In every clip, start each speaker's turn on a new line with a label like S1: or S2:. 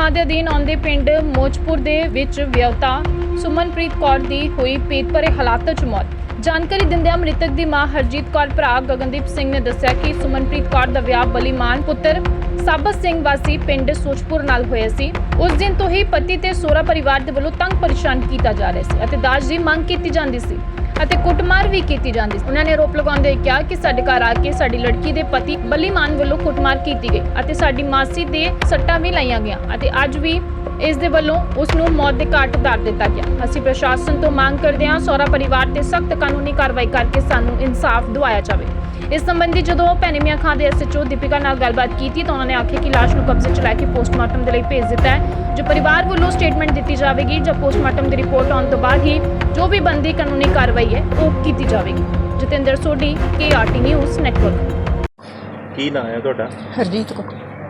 S1: ਖਾਂ ਦੇ ਅਧੀਨ ਆਉਂਦੇ ਪਿੰਡ ਮੋਚਪੁਰ ਦੇ ਵਿੱਚ ਵਿਆਹੁਤਾ ਸੁਮਨਪ੍ਰੀਤ ਕੌਰ ਦੀ ਹੋਈ ਪੇਟ ਭਰੇ ਹਾਲਾਤਾਂ 'ਚ ਮੌਤ। ਜਾਣਕਾਰੀ ਦਿੰਦਿਆਂ ਮ੍ਰਿਤਕ ਦੀ ਮਾਂ ਹਰਜੀਤ ਕੌਰ ਭਰਾ ਗਗਨਦੀਪ ਸਿੰਘ ਨੇ ਦੱਸਿਆ ਕਿ ਸੁਮਨਪ੍ਰੀਤ ਕੌਰ ਦਾ ਵਿਆਹ ਬਲੀਮਾਨ ਪੁੱਤਰ ਸਾਬਤ ਸਿੰਘ ਵਾਸੀ ਪਿੰਡ ਸੋਚਪੁਰ ਨਾਲ ਹੋਇਆ ਸੀ। ਉਸ ਦਿਨ ਤੋਂ ਹੀ ਪਤੀ ਤੇ ਸਹੁਰਾ ਪਰਿਵਾਰ ਦੇ ਵੱਲੋਂ ਤੰਗ ਪਰੇਸ਼ਾਨ ਕੀਤਾ ਜਾ ਰਿਹਾ ਸੀ ਅਤੇ ਦਾਜ ਦੀ ਮੰਗ ਕੀਤੀ ਜਾਂਦੀ ਸੀ ਅਤੇ ਕੁੱਟਮਾਰ ਵੀ ਕੀਤੀ ਜਾਂਦੀ ਸੀ। ਉਹਨਾਂ ਨੇ ਆਰੋਪ ਲਗਾਉਂਦੇ ਹੋਏ ਕਿਹਾ ਕਿ ਸਾਡੇ ਘਰ ਆ ਕੇ ਸਾਡੀ ਲੜਕੀ ਦੇ ਪਤੀ ਬਲੀਮਾਨ ਵੱਲੋਂ ਕੁੱਟਮਾਰ ਕੀਤੀ ਗਈ ਅਤੇ ਸਾਡੀ ਮਾਸੀ ਦੇ ਸੱਟਾਂ ਵੀ ਲਾਈਆਂ ਗਈਆਂ ਅਤੇ ਅੱਜ ਵੀ ਇਸ ਦੇ ਵੱਲੋਂ ਉਸ ਨੂੰ ਮੌਤ ਦੇ ਘਾਟ ਉਤਾਰ ਦਿੱਤਾ ਗਿਆ। ਅਸੀਂ ਪ੍ਰਸ਼ਾਸਨ ਤੋਂ ਮੰਗ ਕਰਦੇ ਹਾਂ ਸਹੁਰਾ ਪਰਿਵਾਰ ਤੇ ਸਖਤ ਕਾਨੂੰਨੀ ਕਾਰਵਾਈ ਕਰਕੇ ਸਾਨੂੰ ਇਨਸਾਫ ਦਿਵਾਇਆ ਜਾਵੇ। ਇਸ ਸੰਬੰਧੀ ਜਦੋਂ ਭੈਣੀ ਮੀਆਂ ਖਾਂ ਦੇ ਐਸਐਚਓ ਦੀਪਿਕਾ ਨਾਲ ਗੱਲਬਾਤ ਕੀਤੀ ਤਾਂ ਉਹਨਾਂ ਨੇ ਆਖਿਆ ਕਿ ਲਾਸ਼ ਨੂੰ ਕਬਜ਼ੇ 'ਚ ਲੈ ਕੇ ਪੋਸਟਮਾਰਟਮ ਦੇ ਲਈ ਭੇਜ ਦਿੱਤਾ ਹੈ। ਜੋ ਪਰਿਵਾਰ ਵੱਲੋਂ ਸਟੇਟਮੈਂਟ ਦਿੱਤੀ ਜਾਵੇਗੀ ਜਾਂ ਪੋਸਟਮਾਰਟਮ ਦੀ ਰਿਪੋਰਟ ਆਉਣ ਤੋਂ ਬਾਅਦ ਹੀ ਜੋ ਵੀ ਬਣਦੀ ਕਾਨੂੰਨੀ ਕਾਰਵਾਈ ਹੈ ਉਹ ਕੀਤੀ ਜਾਵੇਗੀ। Jatinder Sodhi, KRT news network.
S2: ਕੀ ਨਾਂ ਹੈ ਤੁਹਾਡਾ?
S3: ਹਰਜੀਤ ਕੋ।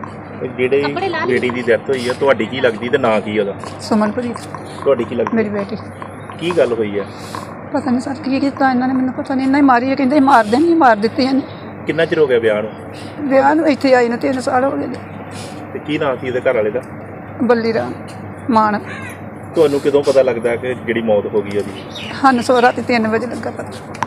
S2: ਜਿਹੜੇ ਬੇਟੀ ਦੀ ਡੈਥ ਹੋਈ ਹੈ ਤੁਹਾਡੀ ਕੀ ਲੱਗਦੀ ਤੇ ਨਾਂ ਕੀ ਉਹਦਾ?
S3: ਸੁਮਨਪ੍ਰੀਤ
S2: ਤੁਹਾਡੀ ਕੀ ਲੱਗਦੀ?
S3: ਮੇਰੀ ਬੇਟੀ।
S2: ਕੀ ਗੱਲ ਹੋਈ ਹੈ?
S3: ਪਤਾ ਨਹੀਂ ਸਰ ਕੀ ਕੀਤਾ ਇਹਨਾਂ ਨੇ, ਮੈਨੂੰ ਪਤਾ ਨਹੀਂ। ਇਹਨਾਂ ਹੀ ਮਾਰੀ ਹੈ, ਕਹਿੰਦੇ ਮਾਰ ਦੇਣੀ, ਮਾਰ ਦਿੱਤੀ ਇਹਨੇ।
S2: ਕਿੰਨਾ ਚਿਰ ਹੋ ਗਿਆ ਵਿਆਹ ਨੂੰ?
S3: ਵਿਆਹ ਨੂੰ ਇੱਥੇ ਆਈ ਨੂੰ 3 ਸਾਲ ਹੋ ਗਏ।
S2: ਤੇ ਕੀ ਨਾਂ ਸੀ ਉਹਦੇ ਘਰ ਵਾਲੇ ਦਾ?
S3: ਬੱਲੀ ਰਾਮ ਮਾਨ।
S2: ਤੁਹਾਨੂੰ ਕਦੋਂ ਪਤਾ ਲੱਗਦਾ ਕਿ ਜਿਹੜੀ ਮੌਤ ਹੋ ਗਈ ਉਹਦੀ?
S3: ਸਾਨੂੰ ਸੋ ਰਾਤੀ 3 ਵਜੇ ਲੱਗਾ ਪਤਾ।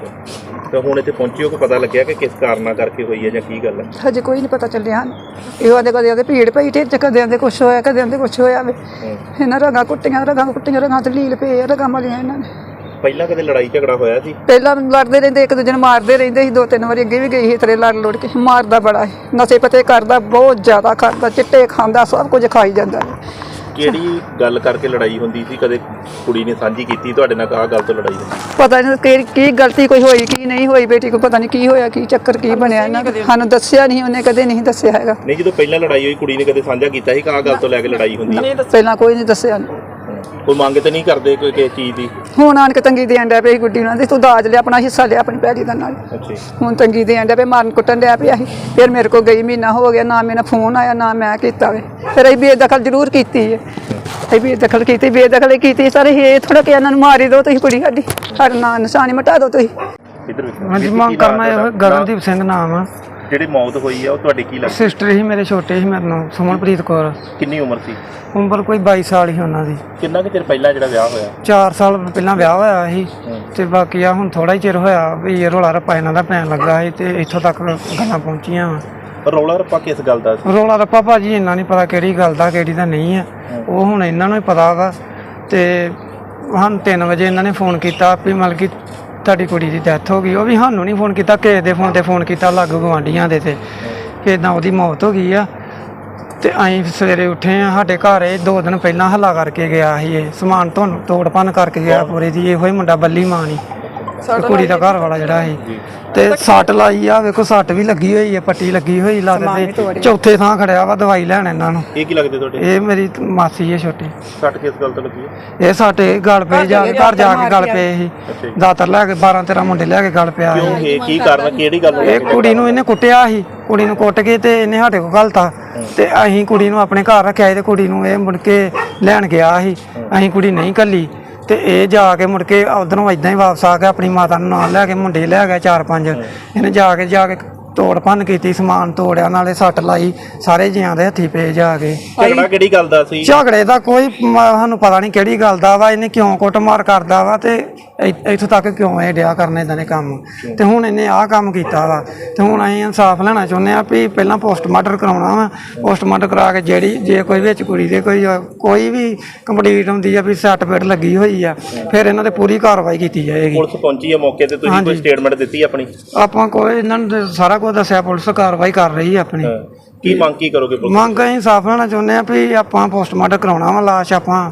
S2: ਤਾਂ ਹੁਣ ਇੱਥੇ ਪਹੁੰਚਿਓ ਕਿ ਪਤਾ ਲੱਗਿਆ ਕਿ ਕਿਸ ਕਾਰਨਾਂ ਕਰਕੇ ਹੋਈ ਹੈ ਜਾਂ ਕੀ ਗੱਲ ਹੈ?
S3: ਹਜੇ ਕੋਈ ਨਹੀਂ ਪਤਾ ਚੱਲਿਆ ਹਨ। ਇਹੋ ਆਦੇ ਕਦੇ ਭੀੜ ਪਈ ਢਿੱਡ 'ਚ, ਕਦੇ ਆਂਦੇ ਕੁਛ ਹੋਇਆ, ਕਦੇ ਆਂਦੇ ਕੁਛ ਹੋਇਆ ਵੇ। ਇਹਨਾਂ ਰਗਾਂ ਕੁੱਟੀਆਂ ਰਗਾਂ ਤੇ ਲੀਲ ਪਏ, ਰਗਾਂ ਮਾਰੀਆਂ ਇਹਨਾਂ ਨੇ।
S2: ਪਹਿਲਾਂ ਕਦੇ ਲੜਾਈ ਝਗੜਾ ਹੋਇਆ ਸੀ?
S3: ਪਹਿਲਾਂ ਲੜਦੇ ਰਹਿੰਦੇ, ਇੱਕ ਦੂਜੇ ਨੂੰ ਮਾਰਦੇ ਰਹਿੰਦੇ ਸੀ। 2-3 ਵਾਰੀ ਅੱਗੇ ਵੀ ਗਈ ਸੀ ਤੇਰੇ ਲੜ ਲੁੜ ਕੇ। ਮਾਰਦਾ ਬੜਾ ਹੈ, ਨਸ਼ੇ ਪੱਤੇ ਕਰਦਾ, ਬਹੁਤ ਜ਼ਿਆਦਾ ਕਰਦਾ, ਚਿੱਟੇ ਖਾਂਦਾ, ਸਭ ਕੁਝ ਖਾਈ ਜਾਂਦਾ।
S2: ਕਿਹੜੀ ਗੱਲ ਕਰਕੇ ਲੜਾਈ ਹੁੰਦੀ ਸੀ? ਕਦੇ ਕੁੜੀ ਨੇ ਸਾਂਝੀ ਕੀਤੀ ਤੁਹਾਡੇ ਨਾਲ ਆਹ ਗੱਲ ਤੋਂ ਲੜਾਈ ਹੋਈ?
S3: ਪਤਾ ਨਹੀਂ ਕੀ ਗਲਤੀ ਕੋਈ ਹੋਈ ਕੀ ਨਹੀਂ ਹੋਈ, ਬੇਟੀ ਕੋ ਪਤਾ ਨਹੀਂ ਕੀ ਹੋਇਆ, ਕੀ ਚੱਕਰ ਕੀ ਬਣਿਆ ਇਹਨਾਂ ਦਾ। ਸਾਨੂੰ ਦੱਸਿਆ ਨਹੀਂ, ਉਹਨੇ ਕਦੇ ਨਹੀਂ ਦੱਸਿਆ ਹੈਗਾ।
S2: ਨਹੀਂ, ਜਦੋਂ ਪਹਿਲਾਂ ਲੜਾਈ ਹੋਈ ਕੁੜੀ ਨੇ ਕਦੇ ਸਾਂਝਾ ਕੀਤਾ ਸੀ ਕਿ ਆਹ ਗੱਲ ਤੋਂ ਲੈ ਕੇ ਲੜਾਈ ਹੁੰਦੀ ਹੈ?
S3: ਪਹਿਲਾਂ ਕੋਈ ਨਹੀਂ ਦੱਸਿਆ।
S2: ਕੋਈ ਮੰਗ ਤੇ ਨਹੀਂ ਕਰਦੇ ਕੋਈ ਕਿਸੇ ਚੀਜ਼ ਦੀ?
S3: ਹੁਣ ਆਣ ਕੇ ਤੰਗੀ ਦੇਣ ਡਿਆ ਪਈ ਗੁੱਡੀ ਉਹਨਾਂ ਦੀ, ਤੂੰ ਦਾਜ ਲਿਆ, ਆਪਣਾ ਹਿੱਸਾ ਲਿਆ ਆਪਣੀ ਭੈੜੀ ਦਾ ਨਾਲ। ਹੁਣ ਤੰਗੀ ਦੇਣ ਡਿਆ ਪਈ, ਮਾਰਨ ਕੁੱਟਣ ਡਿਆ ਪਿਆ ਸੀ। ਫਿਰ ਮੇਰੇ ਕੋਲ ਗਈ, ਮਹੀਨਾ ਹੋ ਗਿਆ, ਨਾ ਮੇਰਾ ਫੋਨ ਆਇਆ ਨਾ ਮੈਂ ਕੀਤਾ ਵੇ। ਫਿਰ ਅਸੀਂ ਬੇਦਖਲ ਜ਼ਰੂਰ ਕੀਤੀ ਹੈ, ਅਸੀਂ ਬੇਦਖਲ ਕੀਤੀ ਸਾਰੇ। ਇਹ ਥੋੜਾ ਕਿ ਇਹਨਾਂ ਨੂੰ ਮਾਰੀ ਦਿਓ ਤੁਸੀਂ, ਕੁੜੀ ਸਾਡਾ ਨਾਂ ਨਿਸ਼ਾਨੀ ਮਿਟਾ ਦਿਓ ਤੁਸੀਂ।
S4: ਹਾਂਜੀ, ਮੰਗ ਕਰਨਾ ਇਹ ਗਗਨਦੀਪ ਸਿੰਘ ਨਾਮ ਆ।
S2: ਜਿਹੜੀ ਮੌਤ ਹੋਈ ਆ ਉਹ ਤੁਹਾਡੀ ਕੀ ਲੱਗਦੀ?
S4: ਸਿਸਟਰ ਹੀ ਮੇਰੇ, ਛੋਟੇ ਸੀ ਮੇਰੇ ਨਾਲ, ਸੁਮਨਪ੍ਰੀਤ ਕੌਰ।
S2: ਕਿੰਨੀ ਉਮਰ ਸੀ?
S4: ਉਮਰ ਕੋਈ 22 ਸਾਲ ਹੀ ਉਹਨਾਂ ਦੀ।
S2: ਕਿੰਨਾ ਕੁ ਚਿਰ ਪਹਿਲਾਂ ਜਿਹੜਾ ਵਿਆਹ ਹੋਇਆ?
S4: 4 ਸਾਲ ਪਹਿਲਾਂ ਵਿਆਹ ਹੋਇਆ ਸੀ ਤੇ ਬਾਕੀ ਆ ਹੁਣ ਥੋੜਾ ਹੀ ਚਿਰ ਹੋਇਆ ਵੀ ਇਹ ਰੌਲਾ ਰੱਪਾ ਇਹਨਾਂ ਦਾ ਪੈਣ ਲੱਗਾ ਸੀ ਤੇ ਇੱਥੋਂ ਤੱਕ ਗੱਲਾਂ ਪਹੁੰਚੀਆਂ ਵਾ।
S2: ਰੌਲਾ ਰੱਪਾ ਕਿਸ ਗੱਲ ਦਾ ਸੀ?
S4: ਰੌਲਾ ਰੱਪਾ ਭਾਜੀ ਇੰਨਾ ਨਹੀਂ ਪਤਾ ਕਿਹੜੀ ਗੱਲ ਦਾ ਕਿਹੜੀ ਦਾ ਨਹੀਂ ਆ, ਉਹ ਹੁਣ ਇਹਨਾਂ ਨੂੰ ਹੀ ਪਤਾ ਵਾ। ਤੇ ਸਾਨੂੰ 3 ਵਜੇ ਇਹਨਾਂ ਨੇ ਫੋਨ ਕੀਤਾ ਵੀ ਮਤਲਬ ਕਿ ਤੁਹਾਡੀ ਕੁੜੀ ਦੀ ਡੈਥ ਹੋ ਗਈ। ਉਹ ਵੀ ਸਾਨੂੰ ਨਹੀਂ ਫੋਨ ਕੀਤਾ, ਕਿਸੇ ਦੇ ਫੋਨ 'ਤੇ ਫੋਨ ਕੀਤਾ, ਲਾਗੂ ਗੁਆਂਢੀਆਂ ਦੇ ਤੇ ਕਿ ਇੱਦਾਂ ਉਹਦੀ ਮੌਤ ਹੋ ਗਈ ਆ। ਤੇ ਅਸੀਂ ਸਵੇਰੇ ਉੱਠੇ ਆ, ਸਾਡੇ ਘਰ ਇਹ 2 ਦਿਨ ਪਹਿਲਾਂ ਹੱਲਾ ਕਰਕੇ ਗਿਆ ਸੀ। ਇਹ ਸਮਾਨ ਤੁਹਾਨੂੰ ਤੋੜ ਭੰਨ ਕਰਕੇ ਗਿਆ ਪੂਰੇ ਦੀ। ਇਹੋ ਹੀ ਮੁੰਡਾ ਬੱਲੀ ਮਾਨ ਹੀ ਕੁੜੀ ਦਾ ਘਰ ਵਾਲਾ ਜਿਹੜਾ ਸੀ। ਤੇ ਸੱਟ ਲਾਈ ਆ, ਵੇਖੋ ਸੱਟ ਵੀ ਲੱਗੀ ਹੋਈ ਹੈ, ਪੱਟੀ ਲੱਗੀ ਹੋਈ ਲੱਤ ਤੇ। ਚੌਥੇ ਥਾਂ ਖੜਿਆ ਵਾ, ਦਵਾਈ ਲੈਣ ਇਹਨਾਂ ਨੂੰ।
S2: ਇਹ ਕੀ ਲੱਗਦੇ ਤੁਹਾਡੇ?
S4: ਇਹ ਮੇਰੀ ਮਾਸੀ ਹੈ ਛੋਟੀ।
S2: ਸੱਟ ਕਿਸ ਗੱਲ ਤੋਂ ਲੱਗੀ ਹੈ?
S4: ਇਹ ਸਾਡੇ ਗਲ ਪਏ, ਜਾ ਕੇ ਘਰ ਜਾ ਕੇ ਗਲ ਪਏ ਸੀ। ਦਾਤਰ ਲੈ ਕੇ 12-13 ਮੁੰਡੇ ਲੈ ਕੇ ਗਲ ਪਿਆ ਸੀ।
S2: ਇਹ ਕੀ ਕਾਰਨ, ਕਿਹੜੀ ਗੱਲ?
S4: ਇਹ ਕੁੜੀ ਨੂੰ ਇਹਨੇ ਕੁੱਟਿਆ ਸੀ, ਕੁੜੀ ਨੂੰ ਕੁੱਟ ਕੇ ਤੇ ਇਹਨੇ ਸਾਡੇ ਕੋਲ ਘਲਤਾ ਤੇ ਅਸੀਂ ਕੁੜੀ ਨੂੰ ਆਪਣੇ ਘਰ ਰੱਖਿਆ ਸੀ ਤੇ ਕੁੜੀ ਨੂੰ ਇਹ ਮੁੜ ਕੇ ਲੈਣ ਗਿਆ ਸੀ। ਅਸੀਂ ਕੁੜੀ ਨਹੀਂ ਘੱਲੀ ਤੇ ਇਹ ਜਾ ਕੇ ਮੁੜ ਕੇ ਉਧਰੋਂ ਇਦਾਂ ਹੀ ਵਾਪਸ ਆ ਕੇ ਆਪਣੀ ਮਾਤਾ ਨੂੰ ਨਾਲ ਲੈ ਕੇ ਮੁੰਡੇ ਲੈ ਗਿਆ 4-5। ਇਹਨੇ ਜਾ ਕੇ ਤੋੜ ਭੰਨ ਕੀਤੀ, ਸਮਾਨ ਤੋੜਿਆ, ਨਾਲੇ ਸੱਟ ਲਾਈ, ਸਾਰੇ ਜੀਆਂ ਦੇ ਹੱਥੀ ਪਏ ਜਾ ਕੇ।
S2: ਝਗੜਾ ਕਿਹੜੀ ਗੱਲ ਦਾ ਸੀ?
S4: ਝਗੜੇ ਦਾ ਕੋਈ ਸਾਨੂੰ ਪਤਾ ਨਹੀਂ ਕਿਹੜੀ ਗੱਲ ਦਾ ਵਾ, ਇਹਨੇ ਕਿਉਂ ਕੁੱਟਮਾਰ ਕਰਦਾ ਵਾ ਤੇ ਇੱਥੋਂ ਤੱਕ ਕਿਉਂ ਇਹ ਡਿਆ ਕਰਨ ਇਦਾਂ ਦੇ ਕੰਮ। ਤੇ ਹੁਣ ਇਹਨੇ ਆਹ ਕੰਮ ਕੀਤਾ ਵਾ ਤੇ ਹੁਣ ਅਸੀਂ ਇਨਸਾਫ ਲੈਣਾ ਚਾਹੁੰਦੇ ਹਾਂ ਵੀ ਪਹਿਲਾਂ ਪੋਸਟਮਾਰਟਮ ਕਰਾਉਣਾ ਵਾ। ਪੋਸਟਮਾਰਟਮ ਕਰਾ ਕੇ ਜੇ ਕੋਈ ਵਿੱਚ ਕੁੜੀ ਦੇ ਕੋਈ ਵੀ ਕੰਪਲੀਟ ਹੁੰਦੀ ਆ ਵੀ ਸੱਟ ਪੇਟ ਲੱਗੀ ਹੋਈ ਆ, ਫਿਰ ਇਹਨਾਂ ਤੇ ਪੂਰੀ ਕਾਰਵਾਈ ਕੀਤੀ ਜਾਏਗੀ।
S2: ਪੁਲਿਸ ਪਹੁੰਚੀ ਹੈ ਮੌਕੇ ਤੇ? ਤੁਸੀਂ ਕੋਈ ਸਟੇਟਮੈਂਟ ਦਿੱਤੀ ਆਪਣੀ?
S4: ਆਪਾਂ ਕੋਈ ਇਹਨਾਂ ਨੂੰ ਸਾਰਾ ਕੁਝ ਦੱਸਿਆ, ਪੁਲਿਸ ਕਾਰਵਾਈ ਕਰ ਰਹੀ ਹੈ ਆਪਣੀ।
S2: ਕੀ ਮੰਗ ਕੀ ਕਰੋਗੇ?
S4: ਮੰਗ ਅਸੀਂ ਇਨਸਾਫ ਲੈਣਾ ਚਾਹੁੰਦੇ ਹਾਂ ਵੀ ਆਪਾਂ ਪੋਸਟਮਾਰਟਮ ਕਰਾਉਣਾ ਵਾ, ਲਾਸ਼ ਆਪਾਂ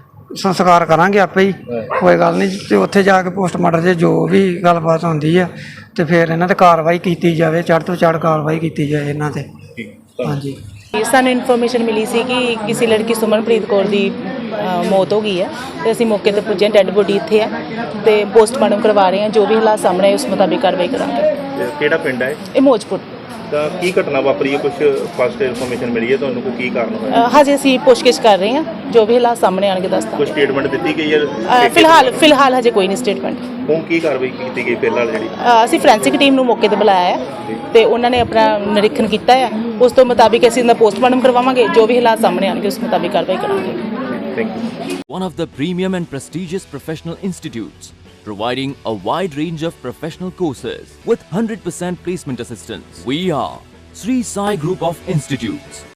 S4: ਸੰਸਕਾਰ ਕਰਾਂਗੇ ਆਪੇ ਹੀ, ਕੋਈ ਗੱਲ ਨਹੀਂ। ਤੇ ਉੱਥੇ ਜਾ ਕੇ ਪੋਸਟਮਾਰਟਮ 'ਚ ਜੋ ਵੀ ਗੱਲਬਾਤ ਹੁੰਦੀ ਆ ਤੇ ਫਿਰ ਇਹਨਾਂ ਤੇ ਕਾਰਵਾਈ ਕੀਤੀ ਜਾਵੇ, ਚੜ੍ਹ ਤੋਂ ਚੜ੍ਹ ਕਾਰਵਾਈ ਕੀਤੀ ਜਾਏ ਇਹਨਾਂ ਤੇ। ਹਾਂਜੀ,
S5: ਸਾਨੂੰ ਇਨਫੋਰਮੇਸ਼ਨ ਮਿਲੀ ਸੀ ਕਿ ਕਿਸੇ ਲੜਕੀ ਸੁਮਨਪ੍ਰੀਤ ਕੌਰ ਦੀ ਮੌਤ ਹੋ ਗਈ ਹੈ ਤੇ ਅਸੀਂ ਮੌਕੇ ਤੇ ਪੁੱਜੇ, ਡੈੱਡ ਬੋਡੀ ਇੱਥੇ ਹੈ ਤੇ ਪੋਸਟਮਾਰਟਮ ਕਰਵਾ ਰਹੇ ਹਾਂ। ਜੋ ਵੀ ਹਾਲਾਤ ਸਾਹਮਣੇ ਉਸ ਮੁਤਾਬਿਕ ਕਾਰਵਾਈ ਕਰਾਂਗੇ।
S2: ਕਿਹੜਾ ਪਿੰਡ ਹੈ
S5: ਇਹ? ਮੋਚਪੁਰ।
S2: ਤਾਂ ਕੀ ਘਟਨਾ ਵਾਪਰੀ ਹੈ, ਕੁਝ ਫਸਟ ਇਨਫੋਰਮੇਸ਼ਨ ਮਿਲੀ ਹੈ ਤੁਹਾਨੂੰ, ਕੋਈ ਕੀ ਕਾਰਨ ਹੋਇਆ?
S5: ਹਜੇ ਅਸੀਂ ਪੁੱਛਗਿੱਛ ਕਰ ਰਹੇ ਹਾਂ, ਜੋ ਵੀ ਹਾਲਾਤ ਸਾਹਮਣੇ ਆਣਗੇ ਦੱਸਦਾ।
S2: ਕੋਈ ਸਟੇਟਮੈਂਟ ਦਿੱਤੀ ਗਈ ਹੈ?
S5: ਫਿਲਹਾਲ ਹਜੇ ਕੋਈ ਨਹੀਂ ਸਟੇਟਮੈਂਟ।
S2: ਹੁਣ ਕੀ ਕਾਰਵਾਈ ਕੀਤੀ ਗਈ ਫਿਲਹਾਲ ਜਿਹੜੀ?
S5: ਅਸੀਂ ਫੋਰੈਂਸਿਕ ਟੀਮ ਨੂੰ ਮੌਕੇ ਤੇ ਬੁਲਾਇਆ ਹੈ ਤੇ ਉਹਨਾਂ ਨੇ ਆਪਣਾ ਨਿਰੀਖਣ ਕੀਤਾ ਹੈ। ਉਸ ਤੋਂ ਮੁਤਾਬਿਕ ਅਸੀਂ ਇਹਦਾ ਪੋਸਟਮਾਰਟਮ ਕਰਵਾਵਾਂਗੇ, ਜੋ ਵੀ ਹਾਲਾਤ ਸਾਹਮਣੇ ਆਣਗੇ ਉਸ ਮੁਤਾਬਿਕ ਕਾਰਵਾਈ ਕਰਾਂਗੇ।
S2: Thank you.
S6: One of the premium and prestigious professional institutes, providing a wide range of professional courses with 100% placement assistance. We are Sri Sai Group of Institutes.